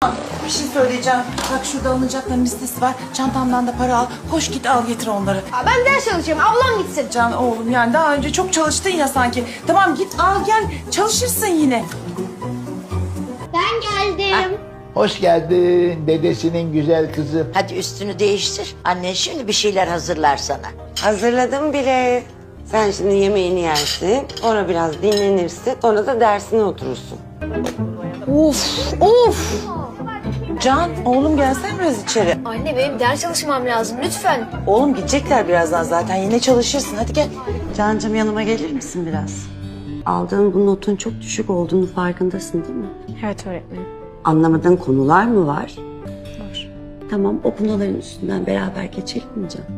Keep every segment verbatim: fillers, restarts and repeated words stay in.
Bir şey söyleyeceğim. Bak şurada alınacakların listesi var. Çantamdan da para al. Koş git al getir onları. Aa, ben ders çalışıyorum. Ablam gitsin. Can oğlum yani daha önce çok çalıştın ya sanki. Tamam git al gel çalışırsın yine. Ben geldim. Hoş geldin dedesinin güzel kızı. Hadi üstünü değiştir. Annen şimdi bir şeyler hazırlar sana. Hazırladım bile. Sen şimdi yemeğini yersin, sonra biraz dinlenirsin, sonra da dersine oturursun. Of of. Can oğlum gelsen biraz içeri. Anne benim ders çalışmam lazım lütfen. Oğlum gidecekler birazdan zaten yine çalışırsın hadi gel. Cancığım yanıma gelir misin biraz? Aldığın bu notun çok düşük olduğunu farkındasın değil mi? Evet öğretmenim. Anlamadığın konular mı var? Var. Tamam, o konuların üstünden beraber geçelim mi Can?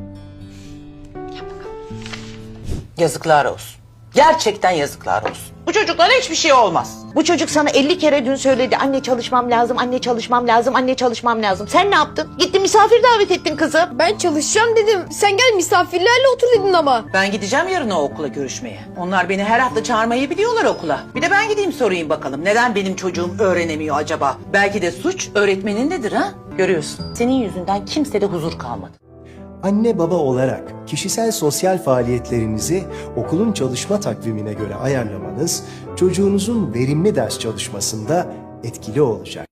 Yazıklar olsun. Gerçekten yazıklar olsun. Bu çocuklara hiçbir şey olmaz. Bu çocuk sana elli kere dün söyledi. Anne çalışmam lazım, anne çalışmam lazım, anne çalışmam lazım. Sen ne yaptın? Gittin misafir davet ettin kızı. Ben çalışacağım dedim. Sen gel misafirlerle otur dedin ama. Ben gideceğim yarın o okula görüşmeye. Onlar beni her hafta çağırmayı biliyorlar okula. Bir de ben gideyim sorayım bakalım. Neden benim çocuğum öğrenemiyor acaba? Belki de suç öğretmenindedir ha? Görüyorsun. Senin yüzünden kimsede huzur kalmadı. Anne baba olarak kişisel sosyal faaliyetlerinizi okulun çalışma takvimine göre ayarlamanız çocuğunuzun verimli ders çalışmasında etkili olacak.